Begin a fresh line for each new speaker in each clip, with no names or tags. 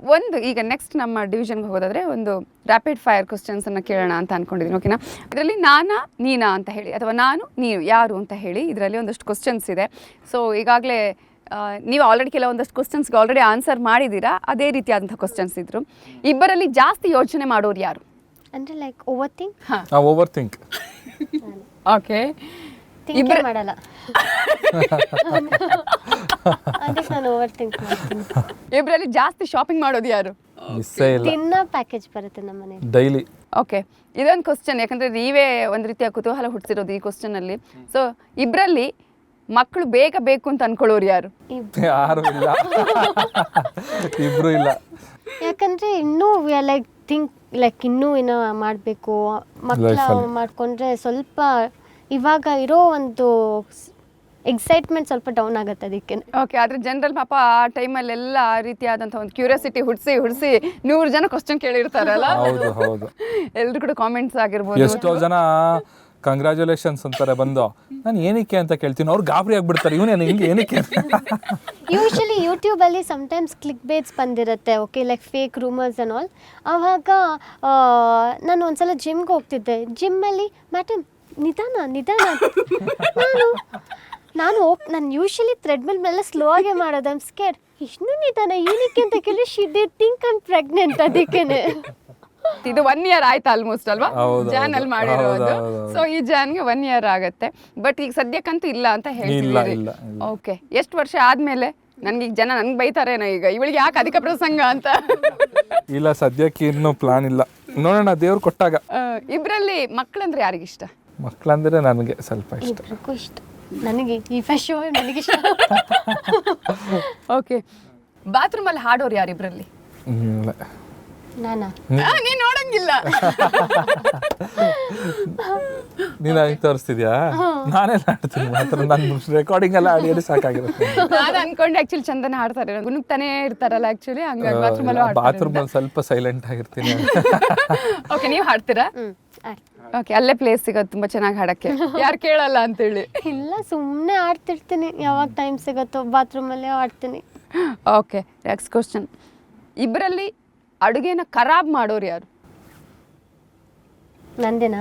ಒಂದು ಈಗ ನೆಕ್ಸ್ಟ್ ನಮ್ಮ ಡಿವಿಷನ್ಗೆ ಹೋಗೋದಾದ್ರೆ ಒಂದು ರ್ಯಾಪಿಡ್ ಫೈರ್ ಕ್ವಶನ್ಸನ್ನು ಕೇಳೋಣ ಅಂತ ಅಂದ್ಕೊಂಡಿದ್ದೀನಿ. ಓಕೆನಾ? ಇದರಲ್ಲಿ ನಾನಾ ನೀನಾ ಅಂತ ಹೇಳಿ ಅಥವಾ ನಾನು ನೀವು ಯಾರು ಅಂತ ಹೇಳಿ ಇದರಲ್ಲಿ ಒಂದಷ್ಟು ಕ್ವಶನ್ಸ್ ಇದೆ. ಸೊ ಈಗಾಗಲೇ ನೀವು ಆಲ್ರೆಡಿ ಕೆಲವೊಂದಷ್ಟು ಕ್ವಶನ್ಸ್ಗೆ ಆಲ್ರೆಡಿ ಆನ್ಸರ್ ಮಾಡಿದ್ದೀರಾ. ಅದೇ ರೀತಿಯಾದಂಥ ಕ್ವಶನ್ಸ್ ಇದ್ರು. ಇಬ್ಬರಲ್ಲಿ ಜಾಸ್ತಿ ಯೋಚನೆ ಮಾಡೋರು ಯಾರು?
ಅಂದರೆ like over think.
Over think.
Okay,
think ಮಾಡಲ್ಲ. ಅದಕ್ಕೆ ನಾನು ಓವರ್ ಥಿಂಕ್ ಮಾಡ್ತೀನಿ.
ಇಬ್ಬರಲ್ಲಿ ಜಾಸ್ತಿ ಶಾಪಿಂಗ್ ಮಾಡೋದು ಯಾರು?
ಮಿಸ್ಸೇ ಇಲ್ಲ.
ತಿನ್ನ ಪ್ಯಾಕೇಜ್ ಬರುತ್ತೆ ನಮ್ಮ ಮನೇಲಿ
ಡೈಲಿ.
ಓಕೆ, ಇದೊಂದು ಕ್ವಶನ್, ಯಾಕಂದರೆ ನೀವೇ ಒಂದು ರೀತಿಯ ಕುತೂಹಲ ಹುಟ್ಟಿಸಿರೋದು ಈ ಕ್ವಶನಲ್ಲಿ. ಸೊ ಇಬ್ಬರಲ್ಲಿ ಮಕ್ಕಳು ಬೇಗ ಬೇಕು ಅಂತ ಅನ್ಕೊಳ್ಳೋರು ಯಾರು?
ಯಾರು ಇಲ್ಲ. ಇಬ್ರು ಇಲ್ಲ.
ಯಾಕಂದ್ರೆ ಇನ್ನೂ ಲೈಕ್ ಥಿಂಕ್ ಲೈಕ್ ಇನ್ನೂ ಏನೋ ಮಾಡಬೇಕು ಮಕ್ಕಳ ಮಾಡ್ಕೊಂಡ್ರೆ ಸ್ವಲ್ಪ ಇವಾಗ ಇರೋ ಒಂದು ಎಕ್ಸೈಟ್ಮೆಂಟ್ ಸ್ವಲ್ಪ ಡೌನ್ ಆಗುತ್ತೆ ಅದಕ್ಕೆ.
ಓಕೆ, ಆದರೆ ಜನರಲ್ ಪಾಪ ಆ ಟೈಮಲ್ಲೆಲ್ಲ ಆ ರೀತಿಯಾದಂಥ ಒಂದು ಕ್ಯೂರಿಯಾಸಿಟಿ ಹುಡ್ಸಿ 100 ಜನ ಕ್ವಶನ್ ಕೇಳಿರ್ತಾರಲ್ಲ.
ಹೌದು ಹೌದು.
ಎಲ್ಲರೂ ಕೂಡ ಕಾಮೆಂಟ್ಸ್ ಆಗಿರ್ಬೋದು.
ಎಷ್ಟೋ ಜನ ಕಂಗ್ರ್ಯಾಚುಲೇಷನ್ಸ್ ಅಂತಾರೆ ಬಂದು, ನಾನು ಏನಕ್ಕೆ ಅಂತ ಕೇಳ್ತೀನಿ, ಅವ್ರು ಗಾಬರಿ ಆಗ್ಬಿಡ್ತಾರೆ, ಇವನೇನು ಹಿಂಗೆ ಏನಕ್ಕೆ.
ಯೂಶಲಿ ಯೂಟ್ಯೂಬಲ್ಲಿ ಸಮ್ಟೈಮ್ಸ್ ಕ್ಲಿಕ್ ಬೇಟ್ಸ್ ಬಂದಿರುತ್ತೆ. Okay, like fake rumours and all. ಆವಾಗ ನಾನು ಒಂದ್ಸಲ ಜಿಮ್ಗೆ ಹೋಗ್ತಿದ್ದೆ. ಜಿಮ್ಮಲ್ಲಿ ಮೇಡಮ್ ನಿಧಾನ ನಾನು ಯೂಶಲಿ ಥ್ರೆಡ್ಮಿಲ್ ಮೇಲೆ ಸ್ಲೋ ಆಗೇ ಮಾಡೋದು. I'm scared. ಇಷ್ಟು ನಿಧಾನ ಏನಕ್ಕೆ ಅಂತ ಕೇಳಿ she did think I'm pregnant. ಅದಕ್ಕೇನೆ
ಇದು 1 year ಆಯ್ತು ಆಲ್ಮೋಸ್ಟ್ ಅಲ್ವಾ ಜಾನ್ ಅಲ್ಲಿ ಮಾಡಿರೋದು. ಸೊ ಈ ಜಾನ್ಗೆ 1 year ಆಗತ್ತೆ. ಬಟ್ ಈಗ ಸದ್ಯಕ್ಕಂತೂ ಇಲ್ಲ ಅಂತ ಹೇಳ್ತಿದ್ದೀರಿ. ಓಕೆ, ಎಷ್ಟು ವರ್ಷ ಆದ್ಮೇಲೆ ನನ್ಗೆ ಈಗ ಜನ ನನ್ಗೆ ಬೈತಾರೇನೋ ಈಗ ಇವಳಿಗೆ ಯಾಕೆ ಅಧಿಕ ಪ್ರಸಂಗ ಅಂತ?
ಇಲ್ಲ, ಸದ್ಯಕ್ಕೆ ಇನ್ನೂ ಪ್ಲಾನ್ ಇಲ್ಲ, ನೋಡೋಣ ದೇವ್ರು ಕೊಟ್ಟಾಗ.
ಇಬ್ರಲ್ಲಿ ಮಕ್ಕಳಂದ್ರೆ ಯಾರಿಗಿಷ್ಟ?
ಮಕ್ಕಳಂದ್ರೆ ನನಗೆ ಸ್ವಲ್ಪ ಇಷ್ಟ.
ಇಬ್ರಿಗೂ ಇಷ್ಟ. ನನಗೆ ಈ ಫಶೋ ನನಗಿಷ್ಟ.
ಓಕೆ, ಬಾತ್ರೂಮಲ್ಲಿ ಹಾಡೋರು ಯಾರು ಇಬ್ರಲ್ಲಿ?
ನಾನಾ?
ನೀನ್ ನೋಡಂಗಿಲ್ಲ.
ನೀನು ಆಗಿ ತೋರಿಸ್ತಿದ್ಯಾ? ನಾನೇ ಹಾಡ್ತೀನಿ ಮಾತ್ರ, ನನ್ನ ರೆಕಾರ್ಡಿಂಗ್ ಎಲ್ಲ ಆಡಿ ಸಾಕಾಗಿರುತ್ತೆ.
ನಾನು ಅನ್ಕೊಂಡೆ ಆಕ್ಚುಲಿ ಚಂದನ ಹಾಡ್ತಾರೆ, ಗುನುಗ್ತಾನೆ ಇರ್ತಾರಲ್ಲ ಆಕ್ಚುಲಿ, ಹಂಗಾಗಿ
ಬಾತ್ರೂಮಲ್ಲಿ ಸ್ವಲ್ಪ ಸೈಲೆಂಟ್ ಆಗಿರ್ತೀನಿ.
ಓಕೆ, ನೀವು ಹಾಡ್ತೀರಾ? ಓಕೆ, ಅಲ್ಲೇ ಪ್ಲೇಸ್ ಸಿಗೋದು ತುಂಬಾ ಚೆನ್ನಾಗಿ ಹಾಡಕ್ಕೆ, ಯಾರು ಕೇಳಲ್ಲ ಅಂತೇಳಿ.
ಇಲ್ಲ, ಸುಮ್ಮನೆ ಆಡ್ತಿರ್ತೀನಿ, ಯಾವಾಗ ಟೈಮ್ ಸಿಗುತ್ತೋ ಬಾತ್ರೂಮಲ್ಲೇ ಆಡ್ತೀನಿ.
Okay, next question. ಇಬ್ಬರಲ್ಲಿ ಅಡುಗೆನ ಖರಾಬ್ ಮಾಡೋರು ಯಾರು?
ನಂದೇನಾ?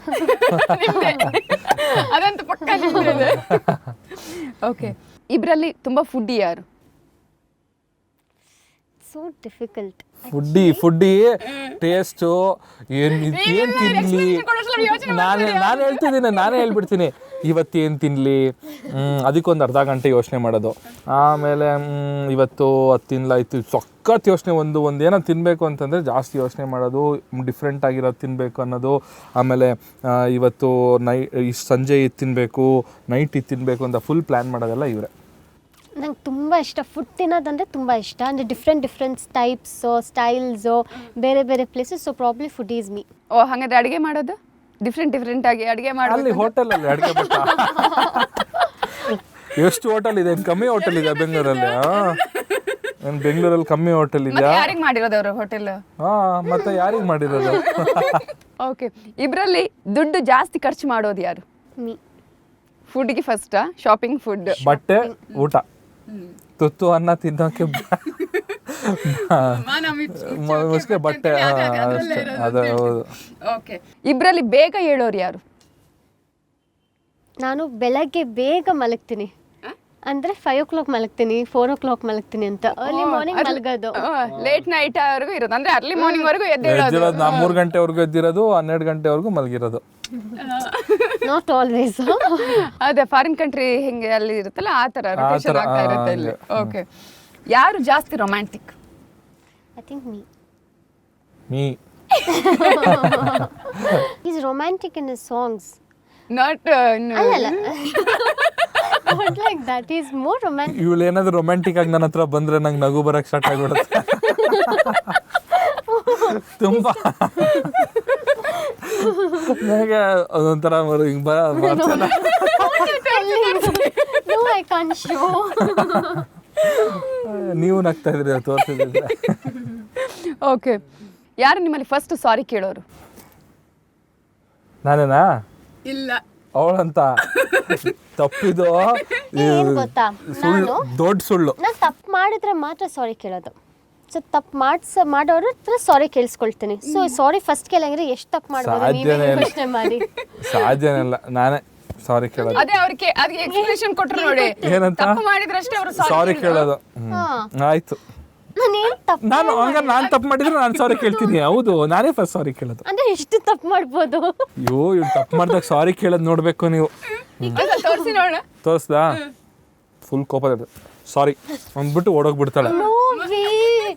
ಅದಂತೂ ಪಕ್ಕ ನಿಮ್ದೇ. ಓಕೆ, ಇಬ್ಬರಲ್ಲಿ ತುಂಬಾ ಫುಡ್ಡಿ ಯಾರು?
So difficult.
ಫುಡ್ಡಿ ಟೇಸ್ಟು ಏನು ತಿನ್ನಲಿ, ನಾನೇ ಹೇಳ್ಬಿಡ್ತೀನಿ ಇವತ್ತೇನು ತಿನ್ನಲಿ, ಅದಕ್ಕೊಂದು ಅರ್ಧ ಗಂಟೆ ಯೋಚನೆ ಮಾಡೋದು. ಆಮೇಲೆ ಇವತ್ತು ಅದು ತಿನ್ನಲಾಯ್ತು, ಸಖತ್ ಯೋಚನೆ. ಒಂದೇನೋ ತಿನ್ನಬೇಕು ಅಂತಂದರೆ ಜಾಸ್ತಿ ಯೋಚನೆ ಮಾಡೋದು, ಡಿಫ್ರೆಂಟ್ ಆಗಿರೋದು ತಿನ್ನಬೇಕು ಅನ್ನೋದು. ಆಮೇಲೆ ಇವತ್ತು ಸಂಜೆ ಇದು ತಿನ್ನಬೇಕು, ನೈಟ್ ಇದು ತಿನ್ನಬೇಕು ಅಂತ ಫುಲ್ ಪ್ಲ್ಯಾನ್ ಮಾಡೋದೆಲ್ಲ ಇವರೇ.
ನಂಗೆ ತುಂಬ ಇಷ್ಟ ಫುಡ್ ತಿನ್ನೋದಂದರೆ ತುಂಬ ಇಷ್ಟ. ಅಂದರೆ ಡಿಫ್ರೆಂಟ್ ಟೈಪ್ಸು ಸ್ಟೈಲ್ಸು ಬೇರೆ ಬೇರೆ places. So probably food is me.
ಓ, ಹಾಗಾದ್ರೆ ಅಡುಗೆ ಮಾಡೋದು ಡಿಫ್ರೆಂಟ್ ಆಗಿ ಅಡುಗೆ ಮಾಡೋದು?
ಅಲ್ಲಿ ಹೋಟೆಲಲ್ಲಿ ಅಡುಗೆ ಬಿಟ್ಟ ಎಷ್ಟು ಹೋಟೆಲ್ ಇದೆ? ಕಮ್ಮಿ ಹೋಟೆಲ್ ಇದೆ ಬೆಂಗಳೂರಲ್ಲಿ. ಬೆಂಗಳೂರಲ್ಲಿ ಕಮ್ಮಿ ಹೋಟೆಲ್ ಇದೆಯಾ?
ಯಾರಿಗೆ ಮಾಡಿರೋದು ಅವರು ಹೋಟೆಲ್?
ಮತ್ತೆ ಯಾರಿಗೆ ಮಾಡಿರೋದು?
ಓಕೆ, ಇಬ್ಬರಲ್ಲಿ ದುಡ್ಡು ಜಾಸ್ತಿ ಖರ್ಚು ಮಾಡೋದು ಯಾರು?
ಮೀ.
ಫುಡ್ಗೆ ಫಸ್ಟ್, ಶಾಪಿಂಗ್, ಫುಡ್,
ಬಟ್ಟೆ, ಊಟ, ತುತ್ತು ಅನ್ನ ತಿನ್ನೋಕೆ ಮುಸ್ಕೆ ಬಟ್ಟೆ ಅಷ್ಟೇ. ಅದು ಹೌದು.
ಓಕೆ, ಇಬ್ಬರಲ್ಲಿ ಬೇಗ ಹೇಳೋರು ಯಾರು?
ನಾನು ಬೆಳಗ್ಗೆ ಬೇಗ ಮಲಗ್ತೀನಿ. ಅಂದರೆ 5 o'clock ಮಲಗ್ತೀನಿ, 4 o'clock ಮಲಗ್ತೀನಿ ಅಂತ. ಅರ್ಲಿ ಮಾರ್ನಿಂಗ್ ಮಲಗೋದು,
ಲೇಟ್ ನೈಟ್ ವರೆಗೂ ಇರೋದು. ಅಂದರೆ ಅರ್ಲಿ ಮಾರ್ನಿಂಗ್ ವರೆಗೂ ಎದ್ದಿರೋದು.
ನಾ 3 ಗಂಟೆವರೆಗೂ ಎದ್ದಿರೋದು, 12 ಗಂಟೆವರೆಗೂ ಮಲಗಿರೋದು.
Not always.
ಅದೇ ಫಾರಿನ್ ಕಂಟ್ರಿ ಹೆಂಗೆ ಅಲ್ಲಿ ಇರುತ್ತಲ್ಲ ಆ ಥರ ರೊಟೇಷನ್ ಆಗ್ತಾ ಇರುತ್ತೆ ಇಲ್ಲಿ. ಓಕೆ, ಯಾರು ಜಾಸ್ತಿ romantic?
I think
me.
Is romantic in his songs.
Not
ಅಲ್ಲ not like that. He is more romantic.
ಇವಳು ಏನಾದ್ರು ರೊಮ್ಯಾಂಟಿಕ್ ಆಗಿ ನನ್ನ ಹತ್ರ ಬಂದ್ರೆ ನಂಗೆ ನಗು ಬರಕ್ಕೆ ಸ್ಟಾರ್ಟ್ ಆಗಿಬಿಡುತ್ತೆ ತುಂಬಾ. ನನಗೆ ಅದೊಂಥರ ಹಿಂಗೆ ಬರ್ತಾನೆ.
No, I can't show.
ನೀವು ನಗ್ತಾ ಇದ್ರಿ ತೋರಿಸಿದ್ರೆ.
ಓಕೆ, ಯಾರು ನಿಮ್ಮಲ್ಲಿ ಫಸ್ಟ್ ಸಾರಿ ಕೇಳೋರು?
ನಾನೇನಾ?
ಇಲ್ಲ,
ಅವಳಂತ. ತಪ್ಪಿದು
ಏನ್ ಗೊತ್ತಾ,
ಸುಳ್ಳು, ದೊಡ್ಡ ಸುಳ್ಳು.
ನಾನು ತಪ್ಪು ಮಾಡಿದ್ರೆ ಮಾತ್ರ ಸಾರಿ ಕೇಳೋದು. ಸೊ ತಪ್ಪು ಮಾಡೋರ ಹತ್ರ ಸಾರಿ ಕೇಳಿಸ್ಕೊಳ್ತೀನಿ. ಸೊ ಸಾರಿ ಫಸ್ಟ್ ಕೇಳಂಗಿದ್ರೆ ಎಷ್ಟು ತಪ್ಪು ಮಾಡ್ಬೋದು
ಸಾಧ್ಯನೇ ಇಲ್ಲ.
ಯೋಚನೆ ಮಾಡಿ.
ಸಾಧ್ಯನೇ ಇಲ್ಲ, ನಾನೇ ಸಾರಿ ಕೇಳೋದು.
ಅದೇ ಅವ್ರಿಗೆ ಅದಕ್ಕೆ ಎಕ್ಸ್ಪ್ಲನೇಷನ್ ಕೊಟ್ರು ನೋಡಿ,
ಏನಂತ
ತಪ್ಪು ಮಾಡಿದ್ರಷ್ಟೇ ಅವರು
ಸಾರಿ ಕೇಳೋದು. ಆಯ್ತು,
ನಾನೇನು ತಪ್ಪು
ನಾನು ಹಂಗಾರೆ ನಾನು ತಪ್ಪು ಮಾಡಿದ್ರೆ ನಾನು ಸಾರಿ ಕೇಳ್ತೀನಿ. ಹೌದು, ನಾನೇ ಫಸ್ಟ್ ಸಾರಿ ಕೇಳೋದು.
ಅಂದರೆ ಎಷ್ಟು ತಪ್ಪು ಮಾಡ್ಬೋದು?
ಅಯ್ಯೋ, ಇವ್ರು ತಪ್ಪು ಮಾಡಿದಾಗ ಸಾರಿ ಕೇಳೋದು ನೋಡಬೇಕು ನೀವು.
ತೋರಿಸಿ ನೋಡೋಣ.
ತೋರಿಸ್ದಾ? ಫುಲ್ ಕೋಪ ಸಾರಿ ಅಂದ್ಬಿಟ್ಟು ಓಡೋಗ್ಬಿಡ್ತಾಳೆ.
No way.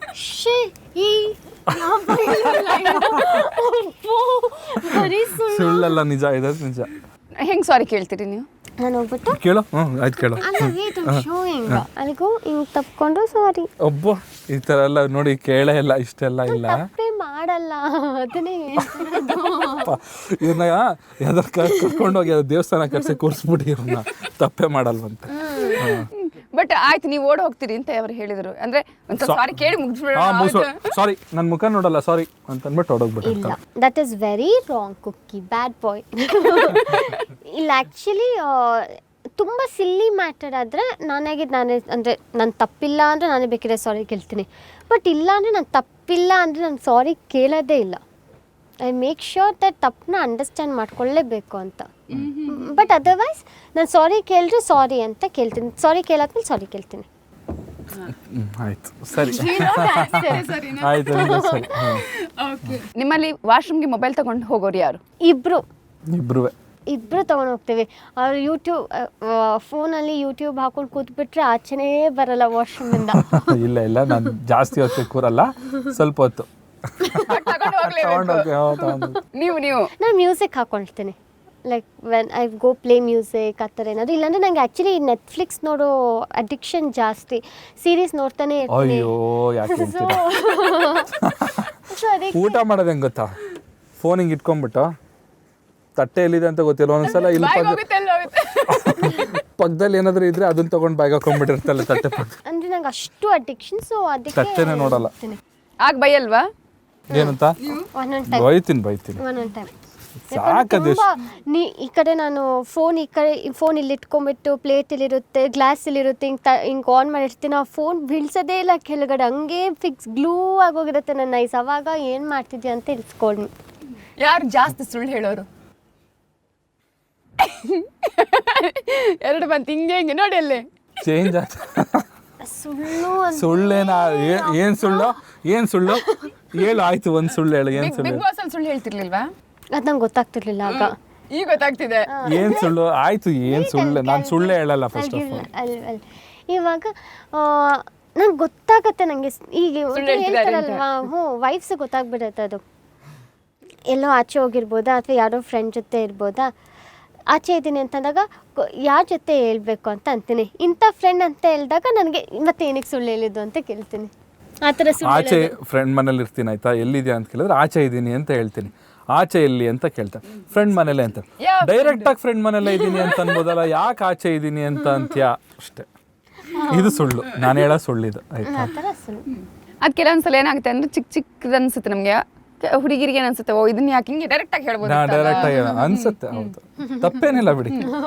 ಬರೀ
ಸುಳ್ಳಲ್ಲ, ನಿಜ ಇದೆ, ನಿಜ.
ಹೆಂಗ್ ಸಾರಿ ಕೇಳ್ತೀರಿ ನೀವು?
ನಾನು ಹೋಗ್ಬಿಟ್ಟು
ಕೇಳು. ಆಯ್ತು ಕೇಳು.
ಅಲ್ಲಿಗೂ ಹಿಂಗೆ ತಪ್ಕೊಂಡು ಸಾರಿ.
ಒಬ್ಬ ಈ ಥರ ಎಲ್ಲ ನೋಡಿ ಕೇಳೇ ಇಲ್ಲ, ಇಷ್ಟೆಲ್ಲ ಇಲ್ಲ.
ತಪ್ಪೇ ಮಾಡಲ್ಲ, ಅದನ್ನೇ
ಇವ್ರನ್ನ ಯಾವ್ದಾರು ಕರ್ಕೊಂಡೋಗಿ ಯಾವ್ದು ದೇವಸ್ಥಾನ ಕರ್ಸಿ ಕೂರಿಸ್ಬಿಟ್ಟು ಇವ್ರನ್ನ ತಪ್ಪೇ ಮಾಡಲ್ವಂತೆ.
ಬಟ್ ಆಯ್ತು, ನೀವು ಓಡ್ ಹೋಗ್ತೀರಿ ಅಂತ ಅವ್ರು ಹೇಳಿದ್ರು. ಅಂದ್ರೆ ಒಂದ್ಸಲ ಸಾರಿ ಕೇಳಿ ಮುಗಿಸ್ಬಿಡೋಣ.
ಸಾರಿ, ನನ್ನ ಮುಖ ನೋಡಲ್ಲ ಸಾರಿ ಅಂತ ಅಂದ್ಬಿಟ್ಟು
ಇಲ್ಲ,
ಹೊಡೋಗ್ಬಿಟ್ಟು.
ದಟ್ ಈಸ್ ವೆರಿ ರಾಂಗ್ ಕುಕ್ಕಿ, ಬ್ಯಾಡ್ ಬಾಯ್. ಇಲ್ಲ ಆ್ಯಕ್ಚುಲಿ ತುಂಬ ಸಿಲ್ಲಿ ಮ್ಯಾಟರ್ ಆದರೆ ನಾನೇ ಅಂದರೆ ನಾನು ತಪ್ಪಿಲ್ಲ ಅಂದರೆ ನಾನೇ ಬೇಕಿದ್ರೆ ಸಾರಿ ಕೇಳ್ತೀನಿ. ಬಟ್ ಇಲ್ಲ ಅಂದರೆ ನಾನು ತಪ್ಪಿಲ್ಲ ಅಂದರೆ ನಾನು ಸಾರಿ ಕೇಳೋದೇ ಇಲ್ಲ. ಐ ಮೇಕ್ ಶ್ಯೂರ್ ದಟ್ ತಪ್ಪನ್ನ ಅಂಡರ್ಸ್ಟ್ಯಾಂಡ್ ಮಾಡ್ಕೊಳ್ಳೇಬೇಕು ಅಂತ. ಬಟ್ ಅದರ್ವೈಸ್ ನಾನು ಸಾರಿ ಕೇಳಿದ್ರೆ ಸಾರಿ ಅಂತ ಕೇಳ್ತೀನಿ, ಸಾರಿ ಕೇಳಾದ್ಮೇಲೆ ಸಾರಿ ಕೇಳ್ತೀನಿ.
ಆಯ್ತು, ಸರಿ ಆಯ್ತು, ಸರಿ.
ನಿಮ್ಮಲ್ಲಿ ವಾಶ್ರೂಮ್ಗೆ ಮೊಬೈಲ್ ತಗೊಂಡು ಹೋಗೋರು ಯಾರು?
ಇಬ್ಬರು ತೊಗೊಂಡು ಹೋಗ್ತೀವಿ. ಅವ್ರು ಫೋನಲ್ಲಿ ಯೂಟ್ಯೂಬ್ ಹಾಕೊಂಡು ಕೂತ್ಬಿಟ್ರೆ ಆಚೆನೇ ಬರಲ್ಲ ವಾಶ್ರೂಮಿಂದ.
ಇಲ್ಲ, ನಾನು ಜಾಸ್ತಿ ಹೊತ್ತು ಕೂರಲ್ಲ, ಸ್ವಲ್ಪ ಹೊತ್ತು.
ನೀವು
ನಾನು ಮ್ಯೂಸಿಕ್ ಹಾಕೊಳ್ತೀನಿ, like when I go play music ಆ ಥರ ಏನಾದರೂ. ಇಲ್ಲಾಂದರೆ ನಂಗೆ ಆ್ಯಕ್ಚುಲಿ ನೆಟ್ಫ್ಲಿಕ್ಸ್ ನೋಡೋ ಅಡಿಕ್ಷನ್ ಜಾಸ್ತಿ, ಸೀರೀಸ್ ನೋಡ್ತಾನೆ ಇರ್ತೀನಿ.
ಅಯ್ಯೋ, ಯಾಕೆ ಊಟ ಮಾಡೋದು ಹೆಂಗೆ ಗೊತ್ತಾ? ಫೋನ್ ಹಿಂಗೆ ಇಟ್ಕೊಂಡ್ಬಿಟ್ಟು ತಟ್ಟೆ ಎಲ್ಲಿದೆ ಅಂತ ಗೊತ್ತಿಲ್ಲ, ಒಂದ್ಸಲ ಇಲ್ಲಿ ಪಕ್ಕದಲ್ಲಿ ಏನಾದರೂ ಇದ್ರೆ ಅದನ್ನ ತಗೊಂಡು ಬ್ಯಾಗ್ ಹಾಕೊಂಡ್ಬಿಟ್ಟಿರ್ತಲ್ಲ ತಟ್ಟೆ ಪಕ್ಕ.
ಅಂದರೆ ನಂಗೆ ಅಷ್ಟು ಅಡಿಕ್ಷನ್, ಸೊ ಅದಕ್ಕೆ
ತಟ್ಟೆನೇ ನೋಡಲ್ಲ.
ಆಗ ಬೈಯಲ್ವಾ?
ಏನಂತ?
ಒಂದೊಂದು ಟೈಮ್
ಬೈತೀನಿ.
ಒಂದೊಂದು ಟೈಮ್
ಸಾಕದು.
ಈ ಕಡೆ ನಾನು ಫೋನ್ ಇಲ್ಲಿ ಇಟ್ಕೊಂಡ್ಬಿಟ್ಟು ಪ್ಲೇಟಲ್ಲಿರುತ್ತೆ, ಗ್ಲಾಸಲ್ಲಿರುತ್ತೆ, ಹಿಂಗೆ ಆನ್ ಮಾಡಿರ್ತೀನಿ. ಆ ಫೋನ್ ಬೀಳ್ಸೋದೇ ಇಲ್ಲ ಕೆಳಗಡೆ, ಹಂಗೆ ಫಿಕ್ಸ್ ಗ್ಲೂ ಆಗೋಗಿರುತ್ತೆ ನನ್ನ ಐಸ್. ಅವಾಗ ಏನು ಮಾಡ್ತಿದ್ಯಾ ಅಂತ ಇಳಿಸ್ಕೊಂಡು.
ಯಾರು ಜಾಸ್ತಿ ಸುಳ್ಳು ಹೇಳೋರು? ಎರಡು ಬಂತು ಹಿಂಗೆ ನೋಡಿ ಅಲ್ಲಿ
ಚೇಂಜ್ ಸುಳ್ಳೇನಾ? ಏನ್ ಸುಳ್ಳು ಹೇಳು. ಆಯ್ತು, ಒಂದ್ ಸುಳ್ಳು ಹೇಳು. ಏನ್ ಸುಳ್ಳು?
ಬಿಗ್ ಬಾಸ್ ಅಲ್ಲಿ ಸುಳ್ಳು ಹೇಳ್ತಿರ್ಲಿಲ್ವಾ?
ಅದು ನಂಗೆ ಗೊತ್ತಾಗ್ತಿರ್ಲಿಲ್ಲ ಆಗ.
ಈಗ ಗೊತ್ತಾಗ್ತಿದೆ.
ಏನ್ ಸುಳ್ಳು? ಆಯ್ತು, ಏನ್ ಸುಳ್ಳು? ನಾನು ಸುಳ್ಳೇ ಹೇಳಲ್ಲ ಫಸ್ಟ್ ಆಫ್ ಆಲ್.
ಇವಾಗ ನಂಗೆ ಗೊತ್ತಾಗತ್ತೆ, ನನಗೆ ಈಗ ಹೇಳ್ತಾರಲ್ವಾ, ವೈಫ್ಸ್ ಗೊತ್ತಾಗ್ಬಿಡುತ್ತೆ. ಅದು ಎಲ್ಲೋ ಆಚೆ ಹೋಗಿರ್ಬೋದಾ ಅಥವಾ ಯಾರೋ ಫ್ರೆಂಡ್ ಜೊತೆ ಇರ್ಬೋದಾ, ಆಚೆ ಇದ್ದೀನಿ ಅಂತಂದಾಗ ಯಾರ ಜೊತೆ ಹೇಳ್ಬೇಕು ಅಂತ ಅಂತೀನಿ. ಇಂಥ ಫ್ರೆಂಡ್ ಅಂತ ಹೇಳಿದಾಗ ನನಗೆ ಮತ್ತೆ ಏನಕ್ಕೆ ಸುಳ್ಳು ಹೇಳಿದ್ದು ಅಂತ ಕೇಳ್ತೀನಿ. ಆ ಥರ
ಆಚೆ ಫ್ರೆಂಡ್ ಮನೇಲಿ ಇರ್ತೀನಿ, ಆಯ್ತಾ, ಎಲ್ಲಿದ್ಯಾ ಅಂತ ಕೇಳಿದ್ರೆ ಆಚೆ ಇದ್ದೀನಿ ಅಂತ ಹೇಳ್ತೀನಿ. ಆಚೆ ಎಲ್ಲಿ ಅಂತ ಕೇಳ್ತಾರೆ, ಫ್ರೆಂಡ್ ಮನೇಲೆ ಅಂತ. ಡೈರೆಕ್ಟ್ ಆಗಿ ಫ್ರೆಂಡ್ ಮನೇಲೆ ಇದ್ದೀನಿ ಅಂತ ಅನ್ಬೋದಲ್ಲ, ಯಾಕೆ ಆಚೆ ಇದ್ದೀನಿ ಅಂತ ಅಂತ್ಯಾ ಅಷ್ಟೇ. ಇದು ಸುಳ್ಳು, ನಾನು ಹೇಳೋ ಸುಳ್ಳಿದು, ಆಯ್ತಾ.
ಅದು ಕೆಲವೊಂದ್ಸಲ ಏನಾಗುತ್ತೆ ಅಂದ್ರೆ ಚಿಕ್ಕದು ಅನ್ಸುತ್ತೆ ನಮಗೆ, ಹುಡುಗಿರಿಗೆ ಅನ್ಸುತ್ತೆ, ಓ ಇದನ್ನ ಯಾಕೆ ಹಿಂಗೆ ಡೈರೆಕ್ಟ್ ಆಗಿ ಹೇಳ್ಬೋದು.
ಡೈರೆಕ್ಟ್ ಆಗಿ ಅನ್ಸುತ್ತೆ, ಹೌದು, ತಪ್ಪೇನಿಲ್ಲ ಬಿಡಿ.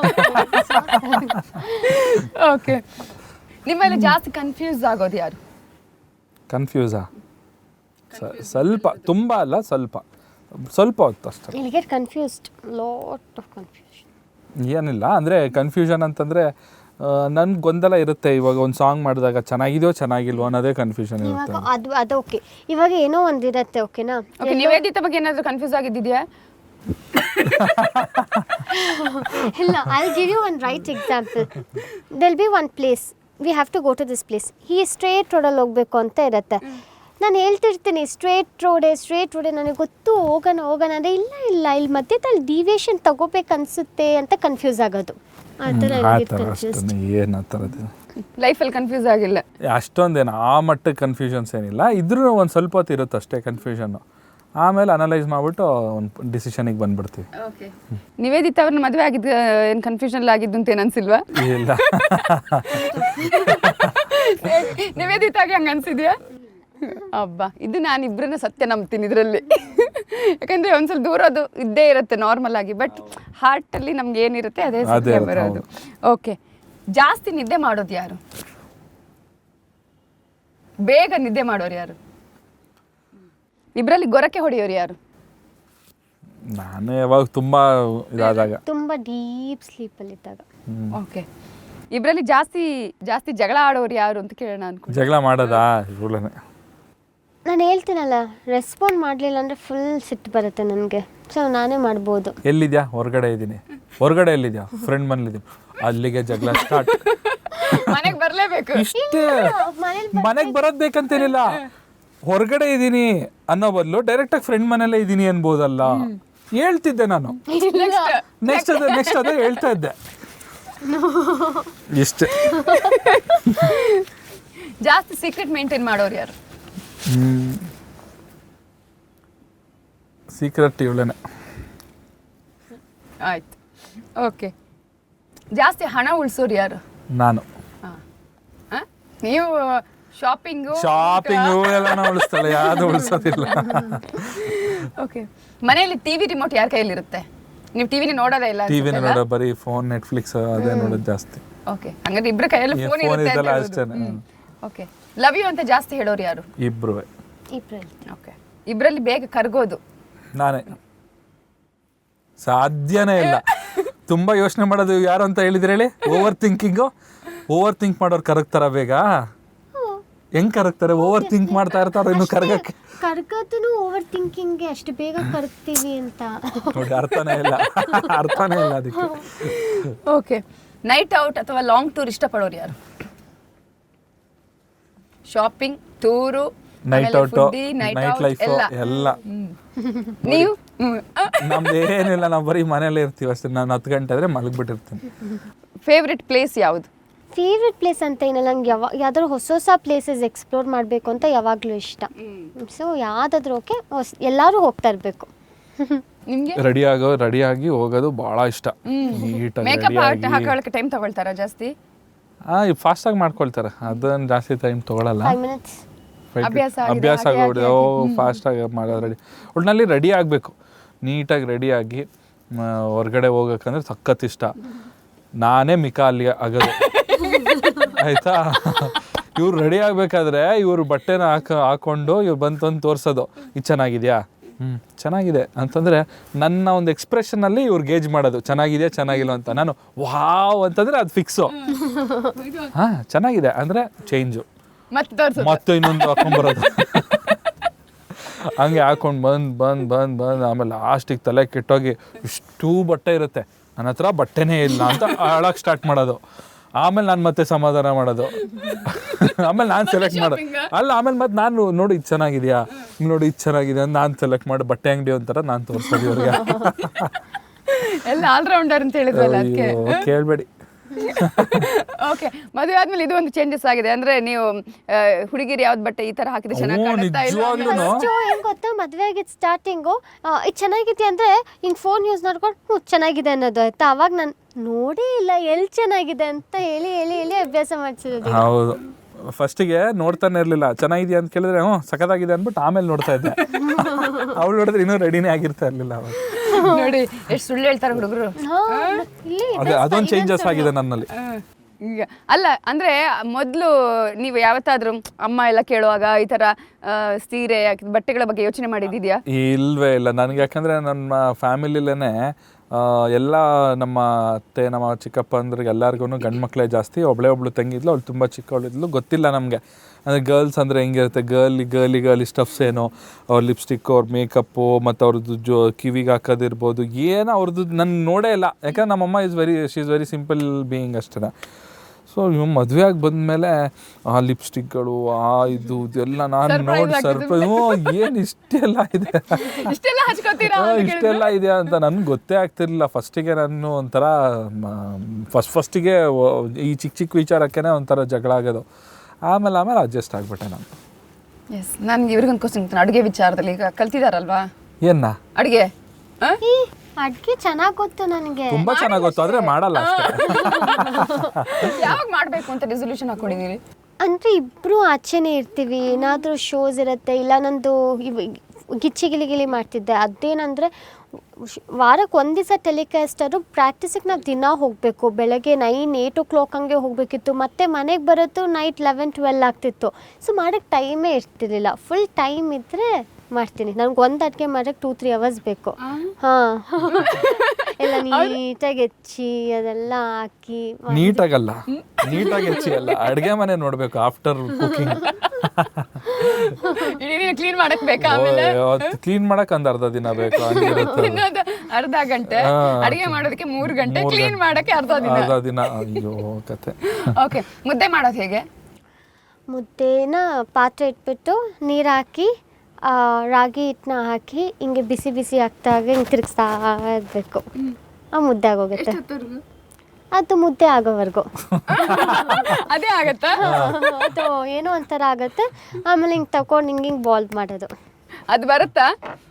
ಓಕೆ, ನಿಮ್ಮಲ್ಲಿ ಜಾಸ್ತಿ ಕನ್ಫ್ಯೂಸ್ ಆಗೋದು ಯಾರು?
ಕನ್ಫ್ಯೂಸಾ? ಸ್ವಲ್ಪ, ತುಂಬ ಅಲ್ಲ, ಸ್ವಲ್ಪ ಹೊತ್ತು ಅಷ್ಟೇ.
Confused, lot of confusion.
ಏನಿಲ್ಲ ಅಂದರೆ ಕನ್ಫ್ಯೂಷನ್ ಅಂತಂದರೆ ನನ್ಗೆ ಗೊಂದಲ ಇರುತ್ತೆ. ಇವಾಗ ಒಂದು ಸಾಂಗ್ ಮಾಡಿದಾಗ ಚೆನ್ನಾಗಿದೆಯೋ ಚೆನ್ನಾಗಿಲ್ವೋ ಅನ್ನೋದೇ ಕನ್ಫ್ಯೂಷನ್ ಇರುತ್ತೆ.
ಅದು ಓಕೆ. ಇವಾಗ ಏನೋ ಒಂದಿರತ್ತೆ, ಓಕೆನಾ?
ಓಕೆ, ನಿವೇದಿತ ಬಗ್ಗೆ ಏನಾದರೂ ಕನ್ಫ್ಯೂಸ್ ಆಗಿದ್ದಿದೆಯಾ?
ಇಲ್ಲ, I give you one right example. There'll be one place, we have to go to this place. ಈ ಸ್ಟ್ರೇಟ್ ರೋಡಲ್ಲಿ ಹೋಗ್ಬೇಕು ಅಂತ ಇರುತ್ತೆ. ನಾನು ಹೇಳ್ತಿರ್ತೀನಿ ಸ್ಟ್ರೇಟ್ ರೋಡೇ ನನಗೆ ಗೊತ್ತು, ಹೋಗೋಣ ಅಂದರೆ ಇಲ್ಲ ಇಲ್ಲಿ ಮಧ್ಯದಲ್ಲಿ ಡಿವಿಯೇಷನ್ ತಗೋಬೇಕನ್ಸುತ್ತೆ ಅಂತ ಕನ್ಫ್ಯೂಸ್ ಆಗೋದು. ಆ ಥರ
ಏನು ಆ ಥರದ್ದು
ಲೈಫಲ್ಲಿ ಕನ್ಫ್ಯೂಸ್ ಆಗಿಲ್ಲ
ಅಷ್ಟೊಂದೇನು, ಆ ಮಟ್ಟಕ್ಕೆ ಕನ್ಫ್ಯೂಷನ್ಸ್ ಏನಿಲ್ಲ. ಇದ್ರೂ ಒಂದು ಸ್ವಲ್ಪ ಹೊತ್ತು ಇರುತ್ತೆ ಅಷ್ಟೇ ಕನ್ಫ್ಯೂಷನ್ನು. ಆಮೇಲೆ ಅನಲೈಸ್ ಮಾಡಿಬಿಟ್ಟು ಒಂದು ಡಿಸಿಷನಿಗೆ ಬಂದ್ಬಿಡ್ತೀವಿ.
ನಿವೇದಿತ ಅವ್ರನ್ನ ಮದುವೆ ಆಗಿದ್ದು ಏನು ಕನ್ಫ್ಯೂಷನ್ ಆಗಿದ್ದು ಅಂತ ಏನು ಅನ್ಸಿಲ್ವಾ?
ಇಲ್ಲ,
ನಿವೇದಿತ ಆಗಿ ಹಂಗೆ ಅನ್ಸಿದ್ಯಾ? ಅಬ್ಬಾ, ಇದು ನಾನು ಇಬ್ಬರನ್ನ ಸತ್ಯ ನಂಬ್ತೀನಿ ಇದರಲ್ಲಿ. ಯಾಕಂದರೆ ಒಂದು ಸ್ವಲ್ಪ ದೂರ ಅದು ಇದ್ದೇ ಇರುತ್ತೆ ನಾರ್ಮಲ್ ಆಗಿ, ಬಟ್ ಹಾರ್ಟಲ್ಲಿ ನಮ್ಗೆ ಏನಿರುತ್ತೆ ಅದೇ ಸತ್ಯ ಬರೋದು. ಓಕೆ, ಜಾಸ್ತಿ ನಿದ್ದೆ ಮಾಡೋದು ಯಾರು? ಬೇಗ ನಿದ್ದೆ ಮಾಡೋರು ಯಾರು? ಇಬ್ಬರಲ್ಲಿ ಗೊರಕೆ ಹೊಡೆಯೋರು ಯಾರು?
ನಾನು ಯಾವಾಗ ತುಂಬ ಇದಾದಾಗ.
ತುಂಬ ಡೀಪ್ ಸ್ಲೀಪಲ್ಲಿ ಇದ್ದಾಗ.
ಓಕೆ. ಇಬ್ಬರಲ್ಲಿ ಜಾಸ್ತಿ ಜಾಸ್ತಿ ಜಗಳ ಆಡೋರು ಯಾರು ಅಂತ ಕೇಳೋಣ ಅನ್ಕೊಂಡು.
ಜಗಳ ಮಾಡೋದಾ? ಇವಳೇನೆ.
ನಾನು ಹೇಳ್ತೀನಲ್ಲ, ರೆಸ್ಪಾಂಡ್ ಮಾಡಲಿಲ್ಲ ಅಂದರೆ ಫುಲ್ ಸಿಟ್ಟು ಬರುತ್ತೆ ನನಗೆ. ಸೊ ನಾನೇ ಮಾಡ್ಬೋದು.
ಎಲ್ಲಿದ್ಯಾ? ಹೊರಗಡೆ ಇದ್ದೀನಿ. ಹೊರಗಡೆ ಎಲ್ಲಿದ್ಯಾ? ಫ್ರೆಂಡ್ ಮನೇಲಿದ್ದೀನಿ. ಅಲ್ಲಿಗೆ ಜಗಳ ಸ್ಟಾರ್ಟ್.
ಮನೆಗೆ ಬರಲೇಬೇಕು.
ಇಷ್ಟೇ. ಮನೆಗೆ ಬರೋದು ಬೇಕಂತೇನಿಲ್ಲ. ಹೊರಗಡೆ ಇದ್ದೀನಿ ಅನ್ನೋ ಬದಲು ಡೈರೆಕ್ಟಾಗಿ ಫ್ರೆಂಡ್ ಮನೇಲೇ ಇದ್ದೀನಿ ಅನ್ಬೋದಲ್ಲ. ಹೇಳ್ತಿದ್ದೆ ನಾನು. ನೆಕ್ಸ್ಟ್ ಅದೇ ಹೇಳ್ತಾ ಇದ್ದೆ. ಇಷ್ಟೇ.
ಜಾಸ್ತಿ ಸೀಕ್ರೆಟ್ ಮೇಂಟೈನ್ ಮಾಡೋರು ಯಾರು?
ಸೀಕ್ರೆಟ್ ಇವಳೇನೆ.
ಆಯ್ತು. ಓಕೆ. ಜಾಸ್ತಿ ಹಣ ಉಳಿಸೋರು ಯಾರು?
ನಾನು.
ನೀವು ಶಾಪಿಂಗು
ಎಲ್ಲ ನಾವು ಉಳಿಸ್ತಾಳೆ, ಯಾವುದು ಉಳಿಸೋದಿಲ್ಲ.
ಓಕೆ. ಮನೆಯಲ್ಲಿ ಟಿವಿ ರಿಮೋಟ್ ಯಾರ ಕೈಯಲ್ಲಿರುತ್ತೆ? ನೀವು ಟಿವಿನ ನೋಡೋದೇ ಇಲ್ಲ?
ಟಿವಿನ ನೋಡೋ, ಬರೀ ಫೋನ್, ನೆಟ್ಫ್ಲಿಕ್ಸ್ ಅದೇ ನೋಡೋದು ಜಾಸ್ತಿ.
ಓಕೆ. ಹಂಗಾದ್ರೆ ಇಬ್ಬರ ಕೈಯಲ್ಲಿ ಫೋನ್ ಇರುತ್ತೆ
ಅಷ್ಟೇನೆ.
ಓಕೆ. ಲವ್ ಯು ಅಂತ ಜಾಸ್ತಿ ಹೇಳೋರು ಯಾರು?
ಇಬ್ರು.
ಓಕೆ. ಇಬ್ಬರಲ್ಲಿ ಬೇಗ ಕರ್ಗೋದು
ನಾನೇ. ಸಾಧ್ಯನೇ ಇಲ್ಲ. ತುಂಬಾ ಯೋಚನೆ ಮಾಡೋದು ಯಾರು ಅಂತ ಹೇಳಿದ್ರೆ ಹೇಳಿ? ಓವರ್ ಥಿಂಕ್ ಮಾಡೋರು ಕರಗ್ತಾರ ಬೇಗ? ಹೆಂಗ್ ಕರಗ್ತಾರೆ? ಓವರ್ ಥಿಂಕ್ ಮಾಡ್ತಾ ಇರ್ತಾರ. ಇನ್ನು ಕರಗಕ್ಕೆ
ಕರ್ಗತೂ ಓವರ್ ಥಿಂಕಿಂಗ್ಗೆ ಅಷ್ಟು ಬೇಗ ಕರಗ್ತೀವಿ ಅಂತ
ನೋಡಿ. ಅರ್ಥನೇ ಇಲ್ಲ ಅದಕ್ಕೆ.
ಓಕೆ. ನೈಟ್ ಔಟ್ ಅಥವಾ ಲಾಂಗ್ ಟೂರ್ ಇಷ್ಟಪಡೋರು ಯಾರು? Shopping, tour,
night out, night life ಎಲ್ಲ.
ನೀವು?
ನಮ್ದೇನಿಲ್ಲ, ನಾವು ಬರೀ ಮನೇಲೇ ಇರ್ತೀವಿ ಅಷ್ಟೇ. ನಾನು 10 ಗಂಟೆ ಆದರೆ ಮಲಗಿಬಿಟ್ಟಿರ್ತೀನಿ.
ಫೇವ್ರೆಟ್ ಪ್ಲೇಸ್ ಯಾವುದು?
ಫೇವ್ರೆಟ್ ಪ್ಲೇಸ್ ಅಂತ ಏನಿಲ್ಲ, ನಂಗೆ ಯಾವ್ದಾದ್ರು ಹೊಸ ಪ್ಲೇಸಸ್ ಎಕ್ಸ್ಪ್ಲೋರ್ ಮಾಡಬೇಕು ಅಂತ ಯಾವಾಗಲೂ ಇಷ್ಟ. ಸೊ ಯಾವುದಾದ್ರೂ ಓಕೆ, ಎಲ್ಲರೂ ಹೋಗ್ತಾ ಇರಬೇಕು.
ನಿಮಗೆ?
ರೆಡಿಯಾಗಿ ಹೋಗೋದು ಭಾಳ ಇಷ್ಟ.
ಮೇಕಪ್ ಹಾಕೊಳ್ಳೋಕೆ ಟೈಮ್ ತಗೊಳ್ತಾರಾ ಜಾಸ್ತಿ?
ಫಾಸ್ಟಾಗಿ ಮಾಡ್ಕೊಳ್ತಾರೆ, ಅದನ್ನು ಜಾಸ್ತಿ ಟೈಮ್ ತೊಗೊಳಲ್ಲ.
5 minutes
ಅಭ್ಯಾಸ ಆಗೋಬಿಡಿದೆ. ಫಾಸ್ಟಾಗಿ ಮಾಡೋದು. ಒಟ್ಟಿನಲ್ಲಿ ರೆಡಿ ಆಗಬೇಕು, ನೀಟಾಗಿ ರೆಡಿಯಾಗಿ ಹೊರಗಡೆ ಹೋಗೋಕ್ಕಂದ್ರೆ ಸಖತ್ ಇಷ್ಟ. ನಾನೇ ಮಿಕ ಅಲ್ಲಿ ಆಗೋದು ಆಯಿತಾ. ಇವ್ರು ರೆಡಿ ಆಗಬೇಕಾದ್ರೆ ಇವ್ರು ಬಟ್ಟೆನ ಹಾಕೊಂಡು ಇವ್ರು ಬಂತಂದು ತೋರಿಸೋದು, ಇದು ಚೆನ್ನಾಗಿದೆಯಾ, ಚೆನ್ನಾಗಿದೆ ಅಂತಂದರೆ ನನ್ನ ಒಂದು ಎಕ್ಸ್ಪ್ರೆಷನಲ್ಲಿ ಇವ್ರು ಗೇಜ್ ಮಾಡೋದು, ಚೆನ್ನಾಗಿದೆಯಾ ಚೆನ್ನಾಗಿಲ್ಲ ಅಂತ. ನಾನು ವಾವ್ ಅಂತಂದರೆ ಅದು ಫಿಕ್ಸು. ಹಾಂ ಚೆನ್ನಾಗಿದೆ ಅಂದರೆ ಚೇಂಜು, ಮತ್ತೆ ಇನ್ನೊಂದು ಹಾಕೊಂಡ್ಬರೋದು. ಹಂಗೆ ಹಾಕೊಂಡು ಬಂದು ಆಮೇಲೆ ಲಾಸ್ಟಿಗೆ ತಲೆ ಕೆಟ್ಟೋಗಿ ಇಷ್ಟು ಬಟ್ಟೆ ಇರುತ್ತೆ, ನನ್ನ ಹತ್ರ ಬಟ್ಟೆನೇ ಇಲ್ಲ ಅಂತ ಅಳಕ್ಕೆ ಸ್ಟಾರ್ಟ್ ಮಾಡೋದು. ಆಮೇಲೆ ನಾನು ಮತ್ತೆ ಸಮಾಧಾನ ಮಾಡೋದು. ಆಮೇಲೆ ನಾನು ಸೆಲೆಕ್ಟ್ ಮಾಡೋದು ಅಲ್ಲ. ಆಮೇಲೆ ಮತ್ತೆ ನಾನು ನೋಡಿ ಇದು ಚೆನ್ನಾಗಿದೆಯಾ, ನೋಡಿ ಇದು ಚೆನ್ನಾಗಿದೆ ಅಂತ ನಾನು ಸೆಲೆಕ್ಟ್ ಮಾಡಿ ಬಟ್ಟೆ ಅಂಗಡಿ ಒಂಥರ ನಾನು ತೋರಿಸೋದು ಇವ್ರಿಗೆ.
ಎಲ್ಲ ಆಲ್ರೌಂಡರ್ ಅಂತ ಹೇಳಿದ್ರಲ್ಲ ಅದಕ್ಕೆ
ಕೇಳಬೇಡಿ.
ಓಕೆ. ಮದುವೆ ಆದ್ಮೇಲೆ ಇದು ಒಂದು ಚೇಂಜಸ್ ಆಗಿದೆ ಅಂದ್ರೆ, ನೀವು ಹುಡುಗಿರು ಯಾವ್ದು ಬಟ್ಟೆ ಈ ತರ ಹಾಕಿದ್ರೆ ಚೆನ್ನಾಗಿ ಕಾಣುತ್ತಾ ಇಲ್ಲ?
ಹೆಂಗ್ ಗೊತ್ತಾ, ಮದುವೆ ಆಗಿದ್ದು ಸ್ಟಾರ್ಟಿಂಗು ಇದು ಚೆನ್ನಾಗಿದೆ ಅಂದ್ರೆ ಹಿಂಗೆ ಫೋನ್ ಯೂಸ್ ಮಾಡ್ಕೊಂಡು ಚೆನ್ನಾಗಿದೆ ಅನ್ನೋದು ಆಯ್ತಾ. ಅವಾಗ ನಾನು ನೋಡೇ ಇಲ್ಲ ಎಲ್ಲಿ ಚೆನ್ನಾಗಿದೆ ಅಂತ ಹೇಳಿ ಅಭ್ಯಾಸ ಮಾಡಿಸಿರೋದು.
ಹೌದು, ಫಸ್ಟಿಗೆ ನೋಡ್ತಾನೆ ಇರಲಿಲ್ಲ. ಚೆನ್ನಾಗಿದೆಯಾ ಅಂತ ಕೇಳಿದ್ರೆ ಸಖತ್ತಾಗಿದೆ ಅಂದ್ಬಿಟ್ಟು ಆಮೇಲೆ ನೋಡ್ತಾ ಇದ್ದೆ. ಅವಳು ನೋಡಿದ್ರೆ ಇನ್ನೂ ರೆಡಿನೇ ಆಗಿರ್ತಾ ಇರಲಿಲ್ಲ ಅವಾಗ.
ನೋಡಿ ಎಷ್ಟು ಸುಳ್ಳು ಹೇಳ್ತಾರೆ ಹುಡುಗರು.
ಅದೊಂದು ಚೇಂಜಸ್ ಆಗಿದೆ ನನ್ನಲ್ಲಿ.
ಈಗ ಅಲ್ಲ ಅಂದ್ರೆ, ಮೊದಲು ನೀವು ಯಾವತ್ತಾದ್ರೂ ಅಮ್ಮ ಎಲ್ಲ ಕೇಳುವಾಗ ಈ ತರ ಸೀರೆ ಬಟ್ಟೆಗಳ ಬಗ್ಗೆ ಯೋಚನೆ ಮಾಡಿದ್ಯಾ?
ಇಲ್ವೇ ಇಲ್ಲ ನನಗೆ. ಯಾಕಂದ್ರೆ ನಮ್ಮ ಫ್ಯಾಮಿಲಿಲೇನೆ ಎಲ್ಲ ನಮ್ಮ ಅತ್ತೆ, ನಮ್ಮ ಚಿಕ್ಕಪ್ಪ ಅಂದ್ರಿಗೆ ಎಲ್ಲರಿಗೂ ಗಂಡು ಮಕ್ಕಳೇ ಜಾಸ್ತಿ. ಒಬ್ಳು ತಂಗಿದ್ಲು, ಅವಳು ತುಂಬ ಚಿಕ್ಕವಳಿದ್ಲು. ಗೊತ್ತಿಲ್ಲ ನಮಗೆ ಅಂದರೆ ಗರ್ಲ್ಸ್ ಅಂದರೆ ಹೆಂಗಿರುತ್ತೆ, ಗರ್ಲಿ ಸ್ಟಫ್ಸ್ ಏನೋ, ಅವ್ರ ಲಿಪ್ಸ್ಟಿಕ್, ಅವ್ರ ಮೇಕಪ್ಪು, ಮತ್ತು ಅವ್ರದ್ದು ಕಿವಿಗೆ ಹಾಕೋದಿರ್ಬೋದು, ಏನೋ ಅವ್ರದ್ದು ನಾನು ನೋಡೇ ಇಲ್ಲ. ಯಾಕಂದ್ರೆ ನಮ್ಮಮ್ಮ she is very simple being ಅಷ್ಟೇ. ಸೊ ಇವ್ ಮದುವೆ ಆಗಿ ಬಂದಮೇಲೆ ಆ ಲಿಪ್ಸ್ಟಿಕ್ಗಳು, ಇದು ಎಲ್ಲ ನಾನು ನೋಡಿ ಸರ್ಪ್ರೈಸ್, ಏನು ಇಷ್ಟೆಲ್ಲ ಇದೆ ಅಂತ ನನಗೆ ಗೊತ್ತೇ ಆಗ್ತಿರ್ಲಿಲ್ಲ. ಫಸ್ಟಿಗೆ ನಾನು ಒಂಥರ ಫಸ್ಟಿಗೆ ಈ ಚಿಕ್ಕ ವಿಚಾರಕ್ಕೇ ಒಂಥರ ಜಗಳ ಆಗೋದು. ಆಮೇಲೆ ಅಡ್ಜಸ್ಟ್ ಆಗಿಬಿಟ್ಟೆ ನಾನು.
ಎಸ್, ನನಗೆ ಇವ್ರಿಗೊಂದು ಕ್ವಶನ್, ಅಡುಗೆ ವಿಚಾರದಲ್ಲಿ ಈಗ ಕಲ್ತಿದಾರಲ್ವಾ?
ಏನ
ಅಡುಗೆ?
ಅಡುಗೆ ಚೆನ್ನಾಗಿ ಗೊತ್ತು ನನಗೆ,
ತುಂಬಾ ಚೆನ್ನಾಗಿ ಗೊತ್ತು, ಆದ್ರೆ ಮಾಡಲ್ಲ ಅಷ್ಟೇ.
ಯಾವಾಗ ಮಾಡಬೇಕು ಅಂತ ರೆಸಲ್ಯೂಷನ್ ಹಾಕೊಂಡಿದ್ದೀರಿ?
ಅಂದರೆ ಇಬ್ಬರು ಆಚೆನೇ ಇರ್ತೀವಿ, ಏನಾದರೂ ಶೋಸ್ ಇರುತ್ತೆ, ಇಲ್ಲ ನಂದು ಗಿಚ್ಚಿ ಗಿಲಿ ಮಾಡ್ತಿದ್ದೆ. ಅದೇನಂದರೆ ವಾರಕ್ಕೆ ಒಂದು ದಿವಸ ಟೆಲಿಕಾಸ್ಟರು. ಪ್ರಾಕ್ಟೀಸಿಗೆ ನಾವು ದಿನ ಹೋಗಬೇಕು. ಬೆಳಗ್ಗೆ 9-8 o'clock ಹಂಗೆ ಹೋಗಬೇಕಿತ್ತು. ಮತ್ತು ಮನೆಗೆ ಬರೋದು ನೈಟ್ 11-12 ಆಗ್ತಿತ್ತು. ಸೊ ಮಾಡೋಕ್ಕೆ ಟೈಮೇ ಇರ್ತಿರ್ಲಿಲ್ಲ. ಫುಲ್ ಟೈಮ್ ಇದ್ದರೆ ಮಾಡ್ತೀನಿ. ನನಗೆ ಒಂದು ಅಡುಗೆ ಮಾಡೋಕ್ಕೆ 2-3 hours ಬೇಕು. ಹಾಂ ಎಲ್ಲ ನೀಟಾಗಿ ಹೆಚ್ಚಿ ಅದೆಲ್ಲ ಹಾಕಿ.
ನೀಟಾಗಲ್ಲ, ನೀಟಾಗಿ ಹೆಚ್ಚಿ ಅಲ್ಲ, ಅಡುಗೆ ಮನೆ ನೋಡಬೇಕು ಆಫ್ಟರ್ ಕುಕಿಂಗ್.
ಕ್ಲೀನ್ ಮಾಡಕ್ ಬೇಕಾ? ಆಮೇಲೆ
ಕ್ಲೀನ್ ಮಾಡಕ್ ಒಂದು ಅರ್ಧ ದಿನ ಬೇಕು, ಹಂಗಿರುತ್ತೆ.
ಇನ್ನೊಂದು ಅರ್ಧ ಗಂಟೆ, ಅಡಿಗೆ ಮಾಡೋದಕ್ಕೆ 3 ಗಂಟೆ, ಕ್ಲೀನ್ ಮಾಡಕ್ಕೆ ಅರ್ಧ ದಿನ.
ಅಯ್ಯೋ ಕತೆ.
ಓಕೆ, ಮುದ್ದೆ ಮಾಡೋದು ಹೇಗೆ?
ಮುದ್ದೆನ ಪಾತ್ರೆ ಇಟ್ಬಿಟ್ಟು ನೀರು ಹಾಕಿ ರಾಗಿ ಹಿಟ್ಟನ್ನ ಹಾಕಿ ಹಿಂಗೆ ಬಿಸಿ ಬಿಸಿ ಆಗ್ತಾಗ ಹಿಂಗೆ ತಿರುಗಿಸ್ತಾ ಇರಬೇಕು. ಆ ಮುದ್ದೆ ಆಗೋಗುತ್ತೆ. ಅದು ಮುದ್ದೆ ಆಗೋವರೆಗೂ
ಅದೇ ಆಗತ್ತಾ?
ಅದು ಏನೋ ಒಂಥರ ಆಗುತ್ತೆ. ಆಮೇಲೆ ಹಿಂಗೆ ತಗೊಂಡು ಹಿಂಗೆ ಬಾಲ್ ಮಾಡೋದು.
ಅದು ಬರುತ್ತಾ?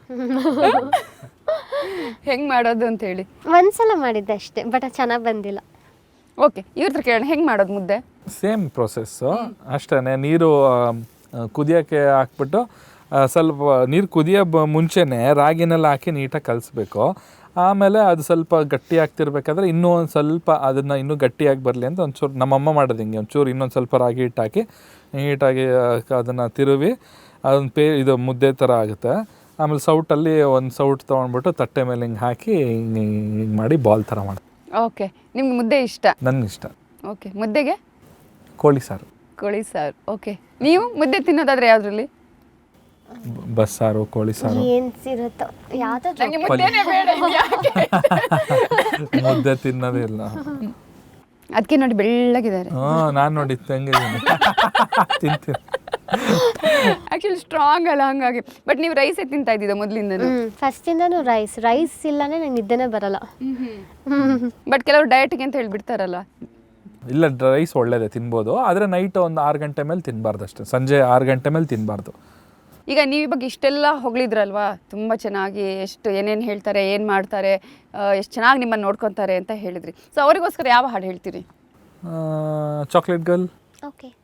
ಹೆಂಗ್ ಮಾಡೋದು ಅಂತ ಹೇಳಿ.
ಒಂದ್ಸಲ ಮಾಡಿದ್ದೆ ಅಷ್ಟೇ, ಬಟ್ ಅದು ಚೆನ್ನಾಗಿ ಬಂದಿಲ್ಲ.
ಓಕೆ, ಇವ್ರ ಹತ್ರ ಕೇಳೋಣ, ಹೆಂಗ್ ಮಾಡೋದು ಮುದ್ದೆ?
ಸೇಮ್ ಪ್ರೊಸೆಸ್ಸು ಅಷ್ಟೇ. ನೀರು ಕುದಿಯೋಕ್ಕೆ ಹಾಕ್ಬಿಟ್ಟು ಸ್ವಲ್ಪ ನೀರು ಕುದಿಯೋ ಮುಂಚೆನೇ ರಾಗಿನೆಲ್ಲ ಹಾಕಿ ನೀಟಾಗಿ ಕಲಿಸ್ಬೇಕು. ಆಮೇಲೆ ಅದು ಸ್ವಲ್ಪ ಗಟ್ಟಿ ಆಗ್ತಿರ್ಬೇಕಾದ್ರೆ ಇನ್ನೂ ಒಂದು ಸ್ವಲ್ಪ ಅದನ್ನು ಇನ್ನೂ ಗಟ್ಟಿಯಾಗಿ ಬರಲಿ ಅಂತ ಒಂಚೂರು ನಮ್ಮಮ್ಮ ಮಾಡೋದು ಹಿಂಗೆ, ಒಂಚೂರು ಇನ್ನೊಂದು ಸ್ವಲ್ಪ ರಾಗಿ ಹಿಟ್ಟು ಹಾಕಿ ನೀಟಾಗಿ ಅದನ್ನು ತಿರುವಿ ಅದೊಂದು ಇದು ಮುದ್ದೆ ಥರ ಆಗುತ್ತೆ. ಆಮೇಲೆ ಸೌಟಲ್ಲಿ ಒಂದು ಸೌಟ್ ತೊಗೊಂಡ್ಬಿಟ್ಟು ತಟ್ಟೆ ಮೇಲೆ ಹಿಂಗೆ ಹಾಕಿ ಹಿಂಗೆ ಮಾಡಿ ಬಾಲ್ ಥರ ಮಾಡಿ.
ಓಕೆ, ನಿಮ್ಗೆ ಮುದ್ದೆ ಇಷ್ಟ?
ನನಗೆ ಇಷ್ಟ. ಓಕೆ,
ಮುದ್ದೆಗೆ
ಕೋಳಿ ಸಾರು.
ಕೋಳಿ ಸಾರು. ಓಕೆ, ನೀವು ಮುದ್ದೆ ತಿನ್ನೋದಾದ್ರೆ ಯಾವ್ದ್ರಲ್ಲಿ?
ಬಸ್ಸಾರು, ಕೋಳಿ ಸಾರು.
ಏನು ಸಿರುತ್ತೋ ಯಾವ್ದಾದ್ರು.
ಮುದ್ದೆ ತಿನ್ನೋದೇ ಇಲ್ಲ.
ಅದಕ್ಕೆ ನೋಡಿ ಬೆಳ್ಳಗಿದ್ದಾರೆ.
ನಾನು ನೋಡಿ ತಂಗಿದ್ದೀನಿ, ತಿಂತೀನಿ.
ಆಕ್ಚುಲಿ ಸ್ಟ್ರಾಂಗ್ ಅಲ್ಲ, ಹಂಗಾಗಿ. ಬಟ್ ನೀವು ರೈಸೇ ತಿಂತಾ ಇದ್ದಿದ್ದ ಮೊದಲಿಂದ?
ಫಸ್ಟಿಂದನೂ ರೈಸ್ ಇಲ್ಲನೇ ನಂಗೆ ನಿದ್ದೆನೇ ಬರಲ್ಲ.
ಬಟ್ ಕೆಲವರು ಡಯಟ್ಗೆ ಅಂತ ಹೇಳ್ಬಿಡ್ತಾರಲ್ಲ.
ಇಲ್ಲ, ರೈಸ್ ಒಳ್ಳೇದೇ, ತಿನ್ಬೋದು. ಆದರೆ ನೈಟ್ ಒಂದು 6 ಗಂಟೆ ಮೇಲೆ ತಿನ್ನಬಾರ್ದು ಅಷ್ಟೇ, ಸಂಜೆ 6 ಗಂಟೆ ಮೇಲೆ ತಿನ್ನಬಾರ್ದು.
ಈಗ ನೀವು ಈ ಬಗ್ಗೆ ಇಷ್ಟೆಲ್ಲ ಹೊಗಳಿದ್ರಲ್ವಾ, ತುಂಬ ಚೆನ್ನಾಗಿ, ಎಷ್ಟು ಏನೇನು ಹೇಳ್ತಾರೆ, ಏನು ಮಾಡ್ತಾರೆ, ಎಷ್ಟು ಚೆನ್ನಾಗಿ ನಿಮ್ಮನ್ನು ನೋಡ್ಕೊತಾರೆ ಅಂತ ಹೇಳಿದ್ರಿ. ಸೊ ಅವರಿಗೋಸ್ಕರ ಯಾವ ಹಾಡು ಹೇಳ್ತೀರಿ?
Chocolate girl.
ಓಕೆ.